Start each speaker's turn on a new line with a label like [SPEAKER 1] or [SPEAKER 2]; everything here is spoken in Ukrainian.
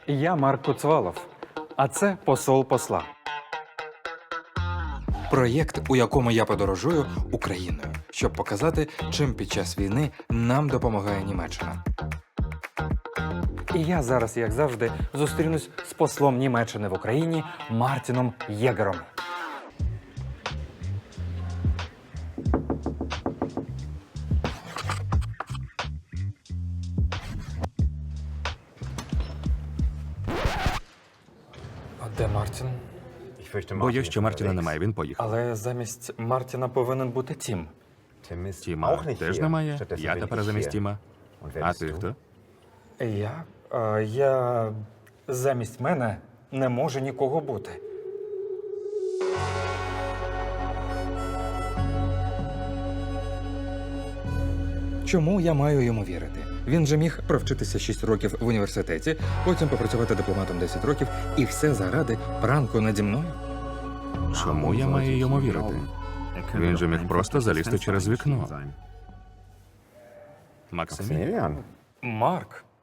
[SPEAKER 1] Я Марк Куцвалов, а це посол посла.
[SPEAKER 2] Проєкт, у якому я подорожую Україною, щоб показати, чим під час війни нам допомагає Німеччина.
[SPEAKER 1] І я зараз, як завжди, зустрінусь з послом Німеччини в Україні Мартіном Єгером. А де Мартін?
[SPEAKER 3] Боюсь, що Мартіна немає, він поїхав.
[SPEAKER 1] Але замість Мартіна повинен бути Тім.
[SPEAKER 3] Тіма теж немає, я тепер замість Тіма. А ти хто?
[SPEAKER 1] Я замість мене не може нікого бути.
[SPEAKER 2] Чому я маю йому вірити? Він же міг провчитися 6 років в університеті, потім попрацювати дипломатом 10 років, і все заради пранку наді мною?
[SPEAKER 3] Чому я маю йому вірити? Він же міг просто залізти через вікно. Максимі?
[SPEAKER 1] Марк,